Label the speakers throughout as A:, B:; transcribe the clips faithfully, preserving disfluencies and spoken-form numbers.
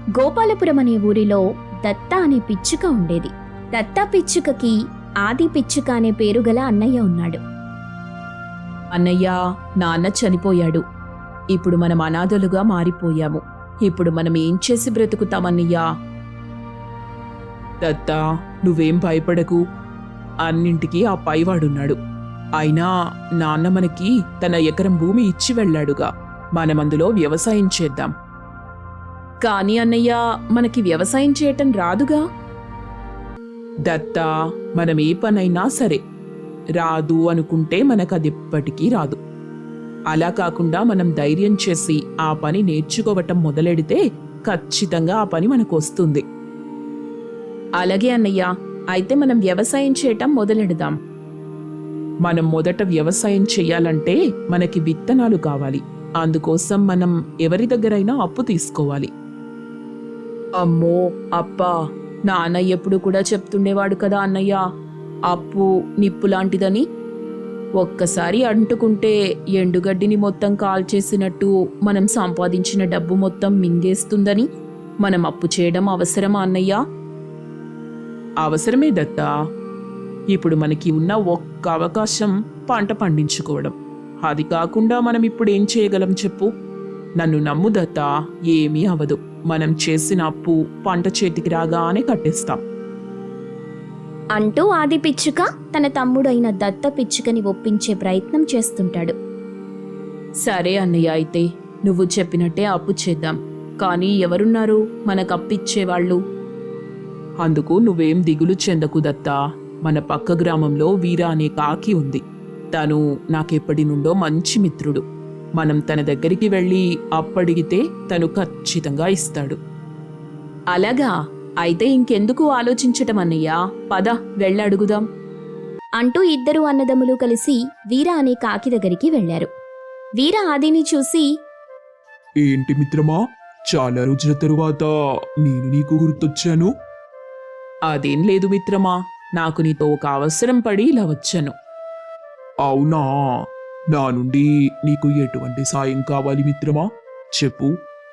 A: గోపాలపురం అనే ఊరిలో దత్త అనే పిచ్చుక ఉండేది. దత్త పిచ్చుకకి ఆది పిచ్చుక అనే పేరు గల అన్నయ్య ఉన్నాడు.
B: అన్నయ్య, నాన్న చనిపోయాడు. ఇప్పుడు మనం అనాథలుగా మారిపోయాము. ఇప్పుడు మనం ఏం చేసి బ్రతుకుతామన్నయ్యా? దత్తా, నువ్వేం భయపడకు. అన్నింటికీ ఆ పైవాడున్నాడు. అయినా నాన్న మనకి తన ఎకరం భూమి ఇచ్చి వెళ్ళాడుగా. మనమందులో వ్యవసాయం చేద్దాం. కాని అన్నయ్య, మనకి వ్యవసాయం చేయటం రాదుగా. దత్తా, మనం ఏ పనైనా సరే రాదు అనుకుంటే మనకదెప్పటికీ రాదు. అలా కాకుండా మనం ధైర్యం చేసి ఆ పని నేర్చుకోవటం మొదలెడితే ఖచ్చితంగా ఆ పని మనకు వస్తుంది. అలాగే అన్నయ్య, అయితే మనం వ్యవసాయం చేయటం మొదలెడదాం. మనం మొదట వ్యవసాయం చెయ్యాలంటే మనకి విత్తనాలు కావాలి. అందుకోసం మనం ఎవరి దగ్గరైనా అప్పు తీసుకోవాలి. అమ్మో అప్పా, నాన్న ఎప్పుడు కూడా చెప్తుండేవాడు కదా అన్నయ్య, అప్పు నిప్పు లాంటిదని. ఒక్కసారి అంటుకుంటే ఎండుగడ్డిని మొత్తం కాల్చేసినట్టు మనం సంపాదించిన డబ్బు మొత్తం మింగేస్తుందని. మనం అప్పు చేయడం అవసరమా అన్నయ్య? అవసరమే దత్తా. ఇప్పుడు మనకి ఉన్న ఒక్క అవకాశం పంట పండించుకోవడం. అది కాకుండా మనం ఇప్పుడు ఏం చేయగలం చెప్పు? నన్ను నమ్ము దత్తా, ఏమీ అవదు. మనం చేసిన అప్పు పంట చేతికి రాగానే కట్టేస్తాం
A: అంటూ ఆది పిచ్చుక తన తమ్ముడైన దత్త పిచ్చుకని ఒప్పించే ప్రయత్నం చేస్తుంటాడు.
B: సరే అన్నయ్య, అయితే నువ్వు చెప్పినట్టే అప్పు చేద్దాం. కానీ ఎవరున్నారు మనకు అప్పిచ్చేవాళ్ళు? అందుకు నువ్వేం దిగులు చెందకు దత్తా. మన పక్క గ్రామంలో వీరా అనే కాకి ఉంది. తను నాకెప్పటి నుండో మంచి మిత్రుడు. మనం తన దగ్గరికి వెళ్ళి అప్పడిగితే తను ఖచ్చితంగా ఇస్తాడు. అలాగా? అయితే ఇంకెందుకు ఆలోచించటం అన్నయ్యా, పద వెళ్ళడుగుదాం
A: అంటూ ఇద్దరు అన్నదమ్ములు కలిసి వీర అనే కాకి దగ్గరికి వెళ్లారు. వీర ఆదిని చూసి,
C: ఏంటి మిత్రమా, చాలా రోజుల తరువాత నేను నీకు గుర్తొచ్చాను.
B: అదేం లేదు మిత్రమా, నాకు నీతో ఒక అవసరం పడి ఇలా వచ్చాను.
C: అవునా, నా నుండి నీకు ఎటువంటి సాయం కావాలి మిత్రమా, చెప్పు.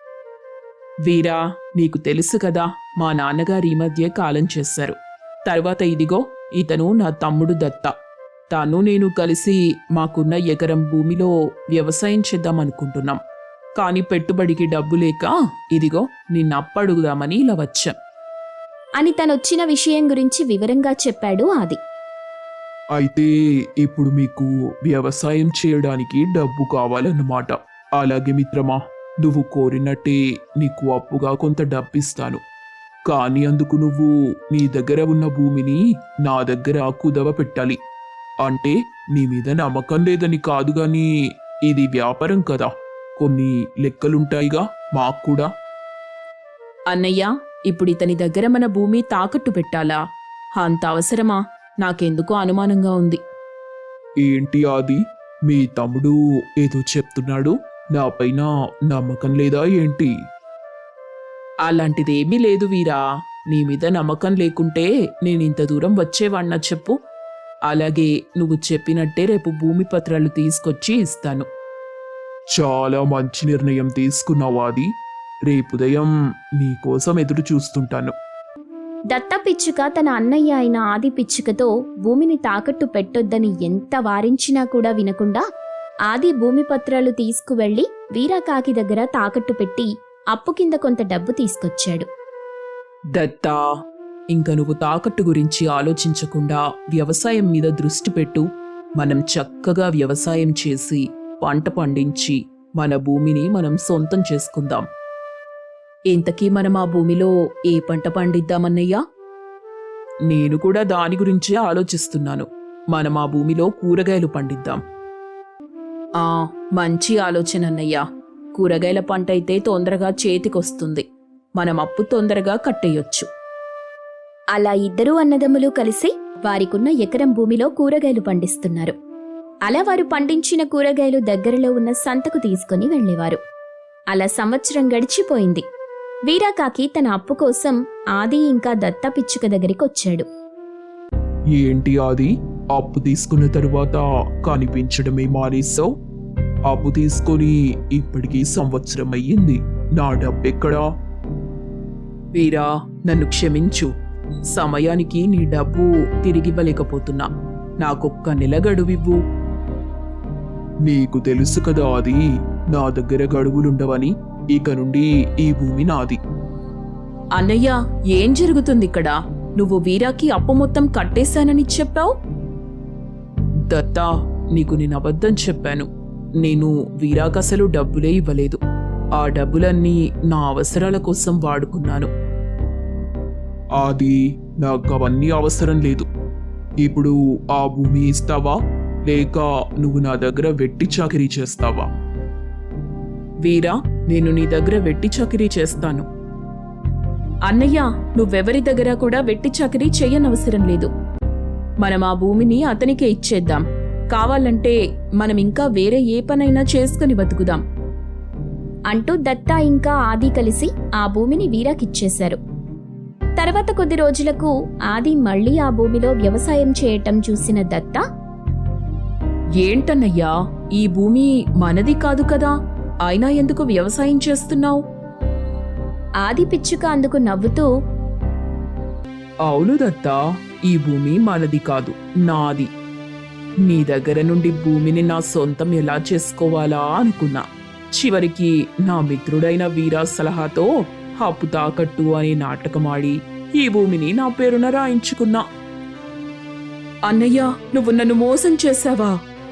B: వీరా, నీకు తెలుసు కదా, మా నాన్నగారు ఈ మధ్య కాలం చేశారు. తర్వాత ఇదిగో ఇతను నా తమ్ముడు దత్త. తాను నేను కలిసి మాకున్న ఎకరం భూమిలో వ్యవసాయం చేద్దామనుకుంటున్నాం. కాని పెట్టుబడికి డబ్బు లేక ఇదిగో నిన్ను అప్పడుగుదామని ఇలా వచ్చాం
A: అని తనొచ్చిన విషయం గురించి వివరంగా చెప్పాడు ఆది.
C: అయితే ఇప్పుడు మీకు వ్యవసాయం చేయడానికి డబ్బు కావాలన్నమాట. అలాగే మిత్రమా, నువ్వు కోరినట్టే నీకు అప్పుగా కొంత డబ్బిస్తాను. కానీ అందుకు నువ్వు నీ దగ్గర ఉన్న భూమిని నా దగ్గర కుదవ పెట్టాలి. అంటే నీ మీద నమ్మకం లేదని కాదు గాని ఇది వ్యాపారం కదా, కొన్ని లెక్కలుంటాయిగా మాకు కూడా.
B: అన్నయ్య, ఇప్పుడు ఇతని దగ్గర మన భూమి తాకట్టు పెట్టాలా? అంత అవసరమా? నాకెందుకో అనుమానంగా ఉంది.
C: ఏంటి ఆది, మీ తమ్ముడు ఏదో చెప్తున్నాడు, నాపైన నమ్మకం లేదా ఏంటి?
B: అలాంటిదేమీ లేదు వీరా. నీ మీద నమ్మకం లేకుంటే నేనింత దూరం వచ్చేవాణ్ణా చెప్పు? అలాగే నువ్వు చెప్పినట్టే రేపు భూమి పత్రాలు తీసుకొచ్చి ఇస్తాను.
C: చాలా మంచి నిర్ణయం తీసుకున్నావు ఆది. రేపు ఉదయం నీకోసం ఎదురు చూస్తుంటాను.
A: దత్త పిచ్చుక తన అన్నయ్య అయిన ఆది పిచ్చుకతో భూమిని తాకట్టు పెట్టొద్దని ఎంత వారించినా కూడా వినకుండా ఆది భూమి పత్రాలు తీసుకువెళ్లి వీరాకాకి దగ్గర తాకట్టు పెట్టి అప్పు కింద కొంత డబ్బు తీసుకొచ్చాడు.
B: దత్తా, ఇంక నువ్వు తాకట్టు గురించి ఆలోచించకుండా వ్యవసాయం మీద దృష్టి పెట్టు. మనం చక్కగా వ్యవసాయం చేసి పంట పండించి మన భూమిని మనం సొంతం చేసుకుందాం. ఇంతకీ మనం ఆ భూమిలో ఏ పంట పండిద్దామన్నయ్యా? నేను కూడా దాని గురించే ఆలోచిస్తున్నాను. మనం ఆ భూమిలో కూరగాయలు పండిద్దాం. ఆ మంచి ఆలోచన అన్నయ్యా. కూరగాయల పంట అయితే తొందరగా చేతికొస్తుంది. మనం అప్పు తొందరగా కట్టేయొచ్చు.
A: అలా ఇద్దరూ అన్నదమ్ములు కలిసి వారికున్న ఎకరం భూమిలో కూరగాయలు పండిస్తున్నారు. అలా వారు పండించిన కూరగాయలు దగ్గరలో ఉన్న సంతకు తీసుకుని వెళ్లేవారు. అలా సంవత్సరం గడిచిపోయింది. వీరాకాకి తన అప్పు కోసం ఆది ఇంకా దత్త పిచ్చుక దగ్గరికి వచ్చాడు.
C: ఏంటి ఆది, అప్పు తీసుకున్న తరువాత కనిపించడమే మానేశావు? అప్పు తీసుకొని ఇప్పటికీ సంవత్సరం అయ్యింది. నా డబ్బెక్కడా?
B: వీరా, నన్ను క్షమించు. సమయానికి నీ డబ్బు తిరిగివ్వలేకపోతున్నా. నాకొక్క నెల గడువివ్వు.
C: నీకు తెలుసు కదా అది నా దగ్గర గడువులుండవని. ఇక నుండి ఈ భూమి నాది.
B: అన్నయ్య, ఏం జరుగుతుంది ఇక్కడ? నువ్వు వీరాకి అప్పు మొత్తం కట్టేశానని చెప్పావు. దత్తా, నీకు నేను అబద్ధం చెప్పాను. నేను వీరాకసలు డబ్బులే ఇవ్వలేదు. ఆ డబ్బులన్నీ నా అవసరాల కోసం వాడుకున్నాను.
C: అది నాకు అవన్నీ అవసరం లేదు. ఇప్పుడు ఆ భూమి ఇస్తావా, లేక నువ్వు నా దగ్గర వెట్టి చాకిరీ చేస్తావా?
B: వీరా, నేను నీ దగ్గర వెట్టి చాకిరీ చేస్తాను. అన్నయ్య, నువ్వెవరి దగ్గర కూడా వెట్టి చాకిరీ చెయ్యనవసరం లేదు. మనం ఆ భూమిని అతనికే ఇచ్చేద్దాం. కావాలంటే మనం ఇంకా వేరే ఏ పనైనా చేసుకుని బతుకుదాం
A: అంటూ దత్తా ఇంకా ఆది కలిసి ఆ భూమిని వీరాకిచ్చేశారు. తర్వాత కొద్ది రోజులకు ఆది మళ్లీ ఆ భూమిలో వ్యవసాయం చేయటం చూసిన దత్తా,
B: ఏంటన్నయ్యా, ఈ భూమి మనది కాదు కదా, అయినా ఎందుకు వ్యవసాయం చేస్తున్నావు?
A: ఆది పిచ్చుక అందుకు నవ్వుతూ,
B: అవును దత్తా, ఈ భూమి మనది కాదు, నాది. నీ దగ్గర నుండి భూమిని నా సొంతం ఎలా చేసుకోవాలా అనుకున్నా. చివరికి నా మిత్రుడైన వీరా సలహాతో అప్పు తాకట్టు అనే నాటకమాడి ఈ భూమిని నా పేరున రాయించుకున్నా. అన్నయ్య, నువ్వు నన్ను మోసం చేశావా?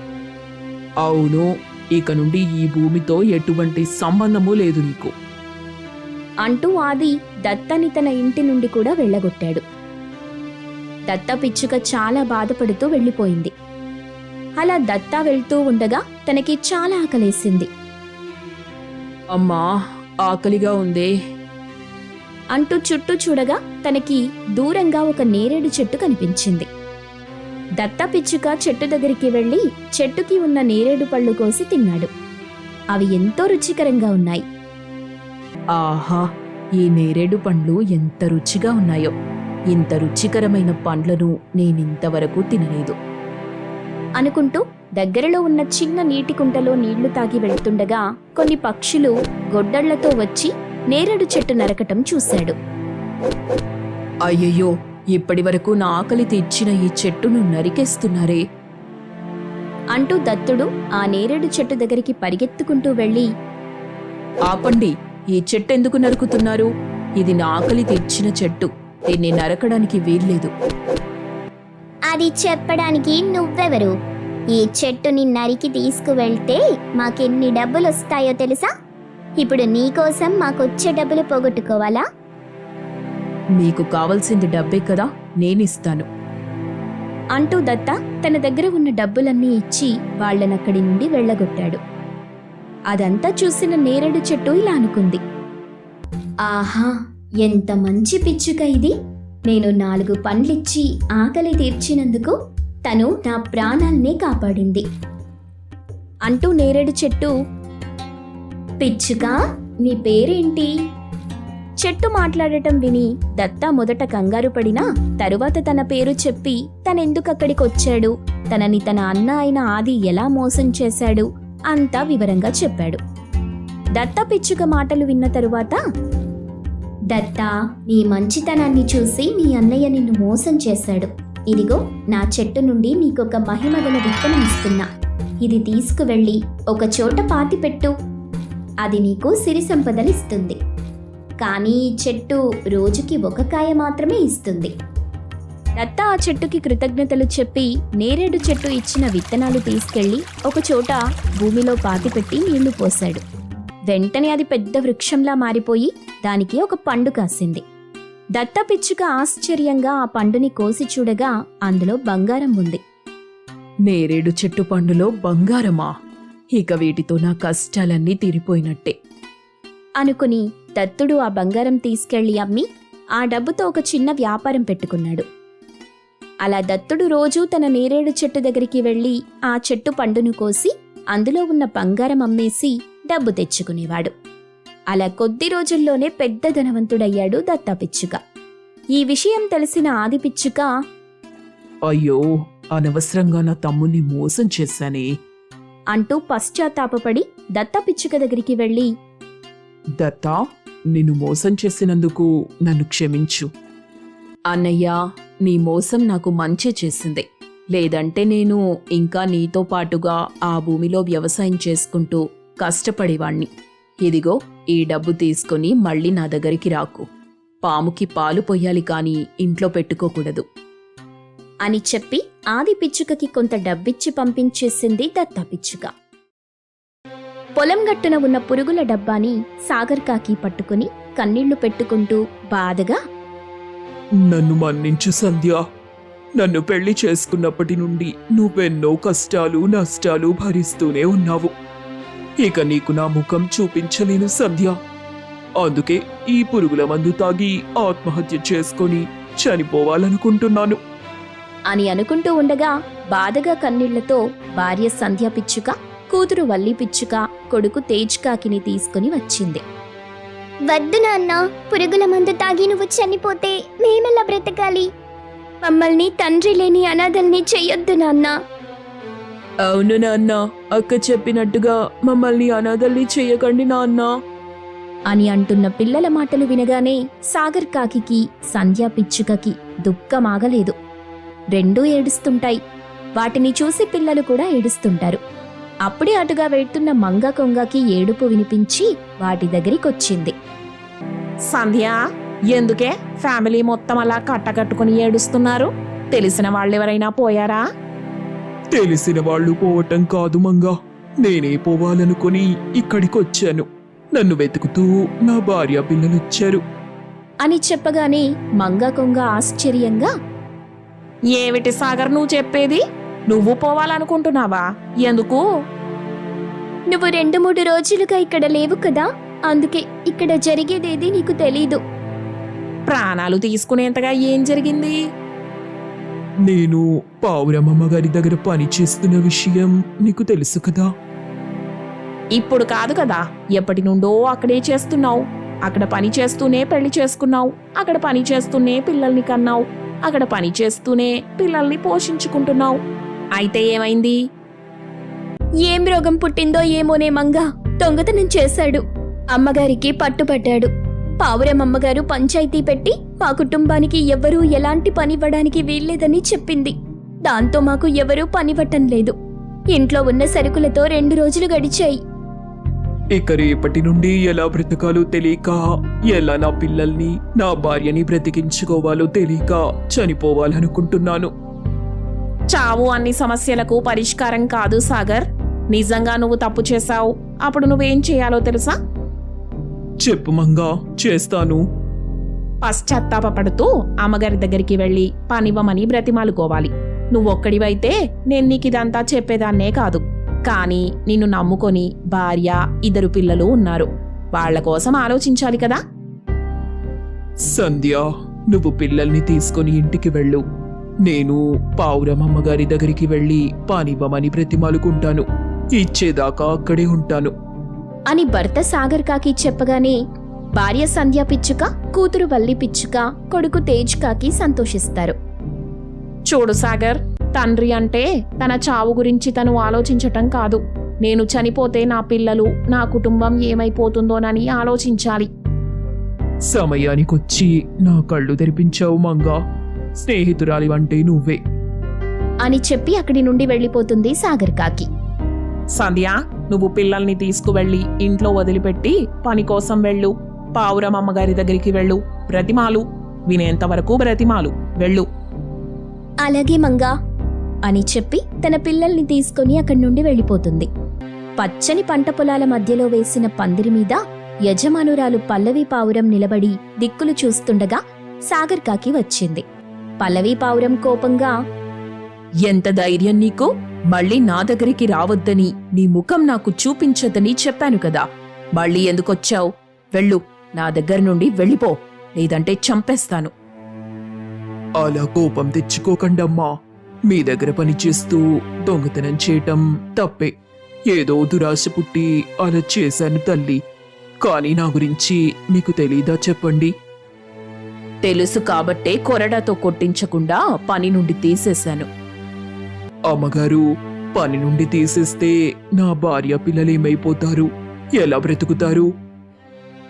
B: అవును, ఇక నుండి ఈ భూమితో ఎటువంటి సంబంధము లేదు నీకు
A: అంటూ ఆది దత్తని తన ఇంటి నుండి కూడా వెళ్ళగొట్టాడు. దత్త పిచ్చుక చాలా బాధపడుతూ వెళ్ళిపోయింది. అలా దత్తా వెళ్తూ ఉండగా తనకి చాలా ఆకలేసింది.
B: అమ్మా, ఆకలిగా ఉందే
A: అంటూ చుట్టూ చూడగా తనకి దూరంగా ఒక నేరేడు చెట్టు కనిపించింది. దత్తా పిచ్చుక చెట్టు దగ్గరికి వెళ్లి చెట్టుకి ఉన్న నేరేడు పళ్ళు కోసి తిన్నాడు. అవి ఎంతో రుచికరంగా ఉన్నాయి.
B: ఆహా, ఈ నేరేడు పండ్లు ఎంత రుచిగా ఉన్నాయో! ఇంత రుచికరమైన పండ్లను నేనింతవరకు తినలేదు
A: అనుకుంటూ దగ్గరలో ఉన్న చిన్న నీటి కుంటలో నీళ్లు తాగి వెళ్తుండగా కొన్ని పక్షులు గొడ్డళ్లతో వచ్చి నేరేడు చెట్టు నరకటం చూశాడు.
B: అయ్యయ్యో, ఇప్పటి వరకు నా ఆకలి తీర్చిన ఈ చెట్టును నరికేస్తున్నారే
A: అంటూ దత్తుడు ఆ నేరేడు చెట్టు దగ్గరికి పరిగెత్తుకుంటూ వెళ్ళి,
B: ఆపండి, ఈ చెట్టు ఎందుకు నరుకుతున్నారు? ఇది నా ఆకలి తీర్చిన చెట్టు, దీన్ని నరకడానికి వీల్లేదు.
D: అది చెప్పడానికి నువ్వెవరు? ఈ చెట్టుని నరికి తీసుకువెళ్తే మాకెన్ని డబ్బులు వస్తాయో తెలుసా? ఇప్పుడు నీకోసం మాకొచ్చే డబ్బులు పోగొట్టుకోవాలా?
B: మీకు కావలసింది డబ్బే కదా, నేనిస్తాను
A: అంటూ దత్త తన దగ్గర ఉన్న డబ్బులన్నీ ఇచ్చి వాళ్లనక్కడి నుండి వెళ్ళగొట్టాడు. అదంతా చూసిన నేరేడు చెట్టు ఇలా అనుకుంది, ఆహా, ఎంత మంచి పిచ్చుక ఇది! నేను నాలుగు పండ్లిచ్చి ఆకలి తీర్చినందుకు తను నా ప్రాణాల్నే కాపాడింది అంటూ నేరేడు చెట్టు, పిచ్చుక, నీ పేరేంటి? చెట్టు మాట్లాడటం విని దత్తా మొదట కంగారు పడినా తరువాత తన పేరు చెప్పి తనెందుకక్కడికొచ్చాడు, తనని తన అన్న అయిన ఆది ఎలా మోసం చేశాడు అంతా వివరంగా చెప్పాడు. దత్తా పిచ్చుక మాటలు విన్న తరువాత, దత్తా, నీ మంచితనాన్ని చూసి నీ అన్నయ్య నిన్ను మోసం చేశాడు. ఇదిగో నా చెట్టు నుండి నీకొక మహిమగల విత్తనం ఇస్తున్నా. ఇది తీసుకువెళ్ళి ఒక చోట పాతిపెట్టు. అది నీకు సిరి సంపదలిస్తుంది. కానీ ఈ చెట్టు రోజుకి ఒక కాయ మాత్రమే ఇస్తుంది. దత్తా ఆ చెట్టుకి కృతజ్ఞతలు చెప్పి నేరేడు చెట్టు ఇచ్చిన విత్తనాలు తీసుకెళ్లి ఒక చోట భూమిలో పాతిపెట్టి నీళ్లు పోశాడు. వెంటనే అది పెద్ద వృక్షంలా మారిపోయి దానికి ఒక పండు కాసింది. దత్తా పిచ్చుక ఆశ్చర్యంగా ఆ పండుని కోసి చూడగా అందులో బంగారం ఉంది.
B: నేరేడు చెట్టు పండులో బంగారమా? ఇక వీటితో నా కష్టాలన్నీ తీరిపోయినట్టే
A: అనుకుని దత్తుడు ఆ బంగారం తీసుకెళ్లి అమ్మి ఆ డబ్బుతో ఒక చిన్న వ్యాపారం పెట్టుకున్నాడు. అలా దత్తుడు రోజూ తన నేరేడు చెట్టు దగ్గరికి వెళ్లి ఆ చెట్టు పండును కోసి అందులో ఉన్న బంగారం అమ్మేసి డబ్బు తెచ్చుకునేవాడు. అలా కొద్ది రోజుల్లోనే పెద్ద ధనవంతుడయ్యాడు దత్తా పిచ్చుక. ఈ విషయం తెలిసిన ఆది పిచ్చుక,
B: అయ్యో, అనవసరంగా నా తమ్ముణ్ణి మోసం చేశానే
A: అంటూ పశ్చాత్తాపపడి దత్తా పిచ్చుక దగ్గరికి వెళ్లి,
B: దత్తా, నిన్ను మోసం చేసినందుకు నన్ను క్షమించు. అన్నయ్య, నీ మోసం నాకు మంచి చేసింది. లేదంటే నేను ఇంకా నీతో పాటుగా ఆ భూమిలో వ్యవసాయం చేసుకుంటూ కష్టపడేవాణ్ణి. ఇదిగో ఈ డబ్బు తీసుకుని మళ్ళీ నా దగ్గరికి రాకు. పాముకి పాలు పొయ్యాలి కాని ఇంట్లో పెట్టుకోకూడదు
A: అని చెప్పి ఆది పిచ్చుకకి కొంత డబ్బిచ్చి పంపించేసింది దత్త పిచ్చుక. పొలం గట్టున ఉన్న పురుగుల డబ్బాని సాగర్ కాకి పట్టుకుని కన్నీళ్లు పెట్టుకుంటూ బాధగా,
C: నన్ను మన్నించు సంధ్య. నన్ను పెళ్లి చేసుకున్నప్పటి నుండి నువ్వెన్నో కష్టాలు నష్టాలు భరిస్తూనే ఉన్నావు. ఇక నీకు నా ముఖం చూపించలేను సంధ్య. అందుకే ఈ పురుగుల మందు తాగి ఆత్మహత్య చేసుకొని చనిపోవాలనుకుంటున్నాను
A: అని అనుకుంటూ ఉండగా బాధగా కన్నీళ్లతో భార్య సంధ్య పిచ్చుక, కూతురు వల్లి పిచ్చుక, కొడుకు తేజ్ కాకిని తీసుకుని వచ్చింది.
D: వద్దు నాన్న, పురుగుల మందు తాగి నువ్వు చనిపోతే మేమెలా బ్రతకాలి? మమ్మల్ని తండ్రి లేని అనాథల్ని చెయ్యొద్దు నాన్న.
B: అవును నాన్న, అక్క చెప్పినట్టుగా మమ్మల్ని అనాథల్ని చెయ్యకండి నాన్న
A: అని అంటున్న పిల్లల మాటలు వినగానే సాగర్ కాకికి సంధ్యా పిచ్చుకకి దుఃఖమాగలేదు. రెండూ ఏడుస్తుంటాయి. వాటిని చూసి పిల్లలు కూడా ఏడుస్తుంటారు. అప్పుడే అటుగా వెళ్తున్న మంగ కొంగకి ఏడుపు వినిపించి వాటి దగ్గరికొచ్చింది.
E: సంధ్య, ఎందుకే ఫ్యామిలీ మొత్తం అలా కట్టకట్టుకుని ఏడుస్తున్నారు? తెలిసిన వాళ్ళెవరైనా పోయారా?
C: తెలిసిన వాళ్ళు పోవటం కాదు మంగా, నేనే పోవాలనుకుని ఇక్కడికొచ్చాను. నన్ను వెతుకుతూ నా భార్య పిల్లలొచ్చారు
A: అని చెప్పగానే మంగ కొంగ ఆశ్చర్యంగా,
E: ఏమిటి సాగర్ నువ్వు చెప్పేది? నువ్వు పోవాలనుకుంటున్నావా? ఎందుకు?
D: నువ్వు రెండు మూడు రోజులుగా ఇక్కడ లేవు కదా, అందుకే ఇక్కడ జరిగేదేది నీకు తెలీదు.
E: ప్రాణాలు తీసుకునేంతగా ఏం జరిగింది?
C: నేను పావురమ్మమ్మ గారి దగ్గర పని చేస్తున్న విషయం నీకు తెలుసు కదా.
E: ఇప్పుడు కాదు కదా, ఎప్పటి నుండో అక్కడే చేస్తున్నావు. అక్కడ పని చేస్తూనే పెళ్లి చేసుకున్నావు. అక్కడ పని చేస్తూనే పిల్లల్ని కన్నావు. అక్కడ పని చేస్తూనే పిల్లల్ని పోషించుకుంటున్నావు. అయితే ఏమైంది?
A: ఏం రోగం పుట్టిందో ఏమోనే మంగ, దొంగతనం చేశాడు. అమ్మగారికి పట్టుపట్టాడు. పావురమమ్మగారు పంచాయతీ పెట్టి మా కుటుంబానికి ఎవ్వరూ ఎలాంటి పనివ్వడానికి వీల్లేదని చెప్పింది. దాంతో మాకు ఎవరూ పనివ్వటం లేదు. ఇంట్లో ఉన్న సరుకులతో రెండు రోజులు గడిచాయి.
C: ఇక రేపటి నుండి ఎలా బ్రతకాలో తెలియక, ఎలా నా పిల్లల్ని నా భార్యని బ్రతికించుకోవాలో తెలియక చనిపోవాలనుకుంటున్నాను.
E: చావు అన్ని సమస్యలకు పరిష్కారం కాదు సాగర్. నిజంగా నువ్వు తప్పు చేశావు. అప్పుడు నువ్వేం చేయాలో తెలుసా?
C: చెప్పు మంగా, చేస్తాను.
E: పశ్చాత్తాపడుతూ అమ్మగారి దగ్గరికి వెళ్లి పనివ్వమని బ్రతిమాలుకోవాలి. నువ్వొక్కడివైతే నేను నీకిదంతా చెప్పేదాన్నే కాదు. కానీ నిన్ను నమ్ముకొని భార్య, ఇద్దరు పిల్లలు ఉన్నారు. వాళ్ల కోసం ఆలోచించాలి కదా.
C: సంధ్య, నువ్వు పిల్లల్ని తీసుకుని ఇంటికి వెళ్ళు. నేను పావురమమ్మగారి దగ్గరికి వెళ్ళి పానివ్వమని బ్రతిమాలుకుంటాను. ఇచ్చేదాకా అక్కడే ఉంటాను
A: అని భర్త సాగర్ కాకి చెప్పగానే భార్య సంధ్యా పిచ్చుక, కూతురు వల్లి పిచ్చుక, కొడుకు తేజ్ కాకి సంతోషిస్తారు.
E: చూడు సాగర్, తండ్రి అంటే తన చావు గురించి తను ఆలోచించటం కాదు. నేను చనిపోతే నా పిల్లలు, నా కుటుంబం ఏమైపోతుందోనని ఆలోచించాలి.
C: సమయానికొచ్చి నా కళ్ళు తెరిపించావు మంగా. స్నేహితురాలివంటే నువ్వే
A: అని చెప్పి అక్కడి నుండి వెళ్ళిపోతుంది సాగర్ కాకి.
E: సంధ్య, నువ్వు పిల్లల్ని తీసుకువెళ్ళి ఇంట్లో వదిలిపెట్టి పని కోసం వెళ్ళు. పావురం అమ్మగారి దగ్గరికి వెళ్ళు. బ్రతిమాలు, వినేంతవరకు బ్రతిమాలు, వెళ్ళు.
A: అలాగే మంగా అని చెప్పి తన పిల్లల్ని తీసుకుని అక్కడి నుండి వెళ్ళిపోతుంది. పచ్చని పంట పొలాల మధ్యలో వేసిన పందిరి మీద యజమానురాలు పల్లవి పావురం నిలబడి దిక్కులు చూస్తుండగా సాగర్ కాకి వచ్చింది. పల్లవి పావురం కోపంగా,
B: ఎంత ధైర్యం నీకు? మళ్ళీ నా దగ్గరికి రావద్దని, నీ ముఖం నాకు చూపించదని చెప్పాను కదా. మళ్ళీ ఎందుకొచ్చావు? వెళ్ళు, నా దగ్గర నుండి వెళ్ళిపో, లేదంటే చంపేస్తాను.
C: అలా కోపం తెచ్చుకోకండమ్మా. మీ దగ్గర పనిచేస్తూ దొంగతనం చేయటం తప్పే. ఏదో దురాశ పుట్టి అలా చేశాను తల్లి. కానీ నా గురించి మీకు తెలీదా చెప్పండి?
B: తెలుసు కాబట్టే కొరడాతో కొట్టించకుండా పని నుండి తీసేశాను.
C: అమ్మగారు, పని నుండి తీసేస్తే నా భార్య పిల్లలేమైపోతారు? ఎలా బ్రతుకుతారు?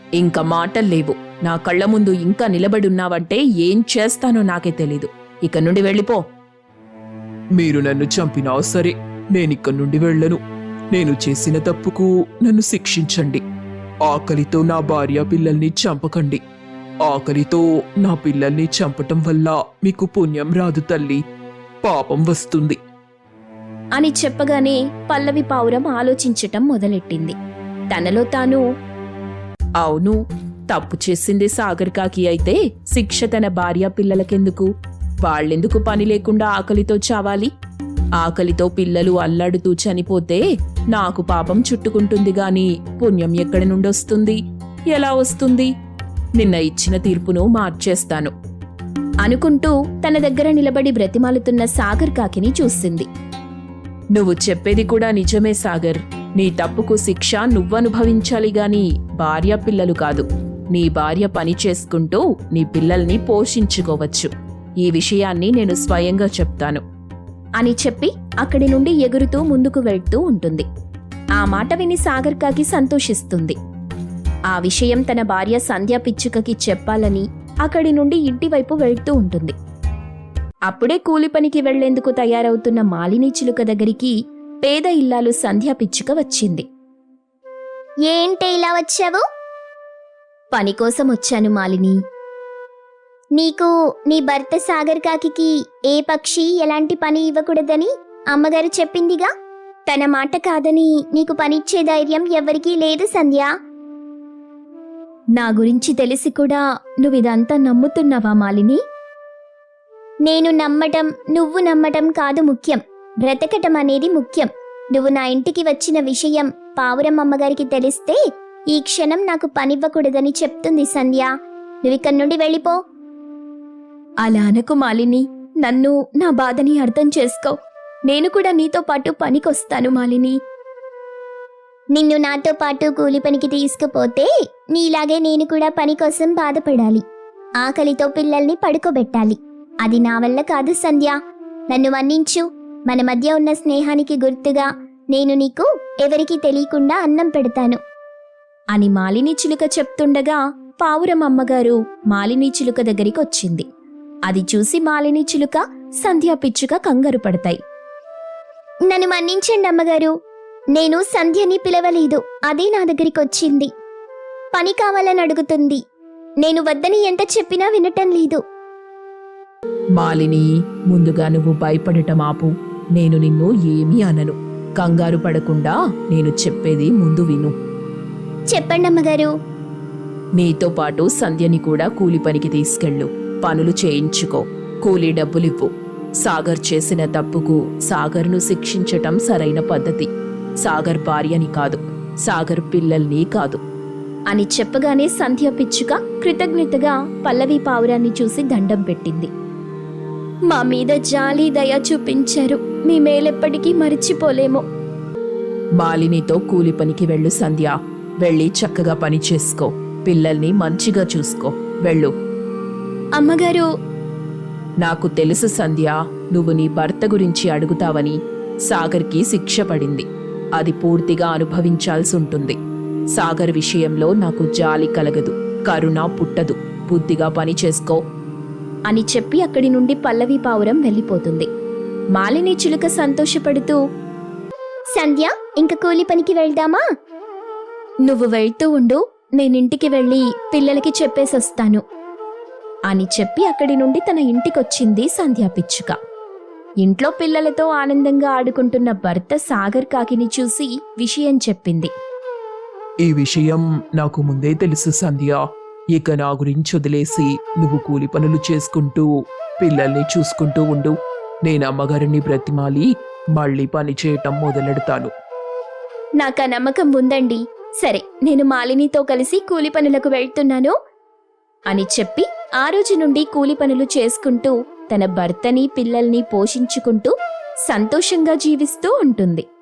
E: ఇంకా మాటల్లేవు. నా కళ్ళ ముందు ఇంకా నిలబడున్నావంటే ఏం చేస్తానో నాకే తెలీదు. ఇక నుండి వెళ్ళిపో.
C: మీరు నన్ను చంపినా సరే నేనిక్కడి నుండి వెళ్ళను. నేను చేసిన తప్పుకు నన్ను శిక్షించండి. ఆకలితో నా భార్య పిల్లల్ని చంపకండి. ఆకలితో నా పిల్లల్ని చంపటం వల్ల మీకు పుణ్యం రాదు తల్లి, పాపం వస్తుంది.
A: అని చెప్పగానే పల్లవి పావురం ఆలోచించటం మొదలెట్టింది. తనలో తాను,
E: అవును, తప్పు చేసింది సాగర్ కాకి అయితే శిక్ష తన భార్య పిల్లలకెందుకు? వాళ్ళెందుకు పని లేకుండా ఆకలితో చావాలి? ఆకలితో పిల్లలు అల్లాడుతూ చనిపోతే నాకు పాపం చుట్టుకుంటుంది గాని పుణ్యం ఎక్కడి నుండొస్తుంది? ఎలా వస్తుంది? నిన్న ఇచ్చిన తీర్పును మార్చేస్తాను
A: అనుకుంటూ తన దగ్గర నిలబడి బ్రతిమాలుతున్న సాగర్ కాకిని చూసింది.
E: నువ్వు చెప్పేది కూడా నిజమే సాగర్. నీ తప్పుకు శిక్ష నువ్వనుభవించాలి గాని భార్య పిల్లలు కాదు. నీ భార్య పని చేసుకుంటూ నీ పిల్లల్ని పోషించుకోవచ్చు. ఈ విషయాన్ని నేను స్వయంగా చెప్తాను
A: అని చెప్పి అక్కడి నుండి ఎగురుతూ ముందుకు వెళ్తూ ఉంటుంది. ఆ మాట విని సాగర్ కాకి సంతోషిస్తుంది. ఆ విషయం తన భార్య సంధ్యా పిచ్చుకకి చెప్పాలని అక్కడి నుండి ఇంటివైపు వెళ్తూ ఉంటుంది. అప్పుడే కూలి పనికి వెళ్లేందుకు తయారవుతున్న మాలిని చిలుక దగ్గరికి పేద ఇల్లాలు సంధ్యా పిచ్చుక వచ్చింది.
D: ఏంటి ఇలా వచ్చావు?
A: పని కోసం వచ్చాను మాలిని.
D: నీకు నీ భర్త సాగర్ కాకికి ఏ పక్షి ఎలాంటి పని ఇవ్వకూడదని అమ్మగారు చెప్పిందిగా. తన మాట కాదని నీకు పనిచ్చే ధైర్యం ఎవరికీ లేదు సంధ్య.
A: నా గురించి తెలిసి కూడా నువ్విదంతా నమ్ముతున్నావా మాలిని?
D: నేను నమ్మటం నువ్వు నమ్మటం కాదు ముఖ్యం, బ్రతకటం అనేది ముఖ్యం. నువ్వు నా ఇంటికి వచ్చిన విషయం పావురం అమ్మగారికి తెలిస్తే ఈ క్షణం నాకు పనివ్వకూడదని చెప్తుంది సంధ్య. నువ్విక్కడి నుండి వెళ్ళిపో.
A: అలా అనకు మాలిని. నన్ను, నా బాధని అర్థం చేసుకో. నేను కూడా నీతో పాటు పనికొస్తాను మాలిని.
D: నిన్ను నాతో పాటు కూలి పనికి తీసుకుపోతే నీలాగే నేను కూడా పని కోసం బాధపడాలి. ఆకలితో పిల్లల్ని పడుకోబెట్టాలి. అది నా వల్ల కాదు సంధ్య. నన్ను మన్నించు. మన మధ్య ఉన్న స్నేహానికి గుర్తుగా నేను నీకు ఎవరికీ తెలియకుండా అన్నం పెడతాను
A: అని మాలిని చిలుక చెప్తుండగా పావురం అమ్మగారు మాలిని చిలుక దగ్గరికి వచ్చింది. అది చూసి మాలిని చిలుక, సంధ్యా పిచ్చుక కంగారు పడతాయి.
D: నన్ను మన్నించండి అమ్మగారు. నేను సంధ్యని పిలవలేదు, అదే నా దగ్గరికి వచ్చింది. పని కావాలని అడుగుతుంది. నేను వద్దని ఎంత చెప్పినా వినటం లేదు.
E: మాలిని, ముందుగా నువ్వు భయపడటం ఆపు. నేను నిన్ను ఏమీ అనను. కంగారు పడకుండా నేను చెప్పేది ముందు విను.
D: చెప్పండి అమ్మగారు.
E: నీతో పాటు సంధ్యని కూడా కూలి పనికి తీసుకెళ్ళు. పనులు చేయించుకో. కూలీ డబ్బులివ్వు. సాగర్ చేసిన తప్పుకు సాగర్ను శిక్షించటం సరైన పద్ధతి. సాగర్ భార్యని కాదు, సాగర్ పిల్లల్ని కాదు
A: అని చెప్పగానే సంధ్య పిచ్చుక కృతజ్ఞతగా పల్లవి పావురాన్ని చూసి దండం పెట్టింది. మా మీద జాలి దయ చూపించారు. మీ మేలెప్పటికీ మరిచిపోలేము.
E: మాలినితో కూలి పనికి వెళ్ళు సంధ్య. వెళ్ళి చక్కగా పని చేసుకో. పిల్లల్ని మంచిగా చూసుకో. వెళ్ళు.
A: అమ్మగారు,
E: నాకు తెలుసు సంధ్య, నువ్వు నీ భర్త గురించి అడుగుతావని. సాగర్కి శిక్ష పడింది. అది పూర్తిగా అనుభవించాల్సి ఉంటుంది. సాగర్ విషయంలో నాకు జాలి కలగదు, కరుణ పుట్టదు. బుద్ధిగా పని చేసుకో
A: అని చెప్పి అక్కడి నుండి పల్లవి పావురం వెళ్ళిపోతుంది. మాలిని చిలుక సంతోషపడుతూ,
D: సంధ్య, ఇంక కూలి పనికి వెళ్దామా?
A: నువ్వు వెళ్తూ ఉండు, నేనింటికి వెళ్ళి పిల్లలకి చెప్పేసొస్తాను అని చెప్పి అక్కడి నుండి తన ఇంటికొచ్చింది సంధ్యా పిచ్చుక. ఇంట్లో పిల్లలతో ఆనందంగా ఆడుకుంటున్న భర్త సాగర్ కాకిని చూసి విషయం చెప్పింది.
C: ఈ విషయం నాకు ముందే తెలుసు సంధ్య. ఇక నా గురించి వదిలేసి నువ్వు కూలి పనులు చేసుకుంటూ పిల్లల్ని చూసుకుంటూ ఉండు. నేను అమ్మగారిని బ్రతిమాలి మళ్ళీ పని చేయటం మొదలెడతాను.
A: నాకా నమ్మకం ఉందండి. సరే, నేను మాలినితో కలిసి కూలి పనులకు వెళ్తున్నాను అని చెప్పి ఆ రోజు నుండి కూలి పనులు చేసుకుంటూ తన భర్తని పిల్లల్ని పోషించుకుంటూ సంతోషంగా జీవిస్తూ ఉంటుంది.